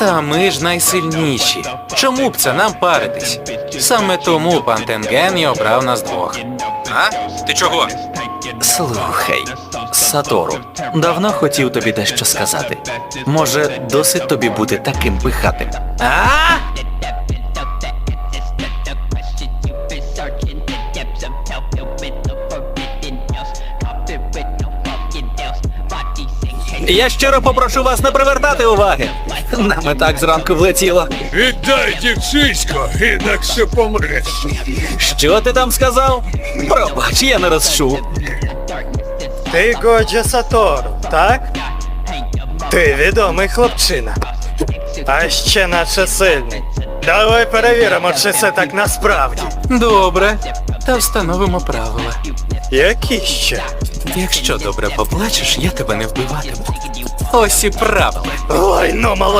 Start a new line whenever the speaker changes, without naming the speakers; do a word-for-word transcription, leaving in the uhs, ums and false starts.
Та ми ж найсильніші. Чому б це нам паритись? Саме тому пан Тенген і обрав нас двох. А? Ти чого?
Слухай, Сатору, давно хотів тобі дещо сказати. Може, досить тобі бути таким пихатим?
А?
Я щиро попрошу вас не привертати уваги. Нам і так зранку влетіло.
Віддай дівчисько, інакше помреш.
Що ти там сказав? Пробач, я не розчув.
Ти Годжа Сатору, так? Ти відомий хлопчина. А ще наче сильний. Давай перевіримо, чи це так насправді.
Добре. Та встановимо правила.
Які ще?
Якщо добре поплачеш, я тебе не вбиватиму. Ось і правила.
Ой, ну молодець.